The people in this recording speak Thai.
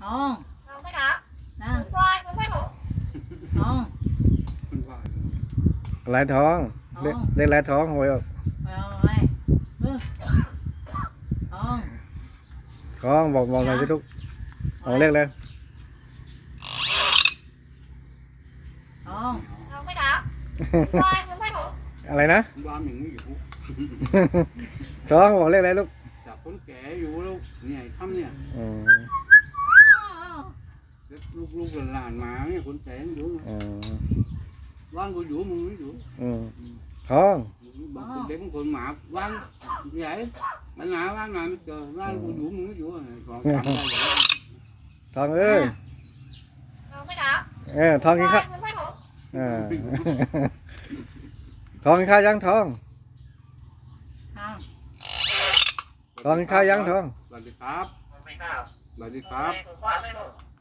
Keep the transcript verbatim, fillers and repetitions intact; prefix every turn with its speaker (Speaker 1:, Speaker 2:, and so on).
Speaker 1: ทองทองไม่ครับนะทอง
Speaker 2: ลายทองเรียกเรียกลายทองหวยออก
Speaker 1: เอาไว้เออทอง
Speaker 2: ทองบอกบอกหน่อยสิลูกเอาเรียกเลย
Speaker 1: ทองทองไม่ครับ
Speaker 2: อะไรนะ
Speaker 3: บ้านอย่างนี้อยู่
Speaker 2: ทองบอกเรียกอะไรลูก
Speaker 3: จากคนแก่อยู่แล้วเนี่ยทำเนี่ย
Speaker 2: อืม
Speaker 3: ลูกลูกหลานมาเนี่ยคนแก่อยู่
Speaker 2: อืม
Speaker 3: บ้านกูอยู่มึงไม่อยู่
Speaker 2: อืมทอง
Speaker 3: บางคนเด็กบางคนหมาบ้านใหญ่บ้านไหนบ้านไหนไม่เจอบ้านกูอยู่มึงไม่อยู่ก่อนทำได้เลย
Speaker 2: ทองเอ้ยเออทองกินข้าวเออทองกินข้าวยังทอง
Speaker 1: ทอง
Speaker 2: ทองกินข้าวยังทอง
Speaker 3: สวัสดีครับสวัสดีครับ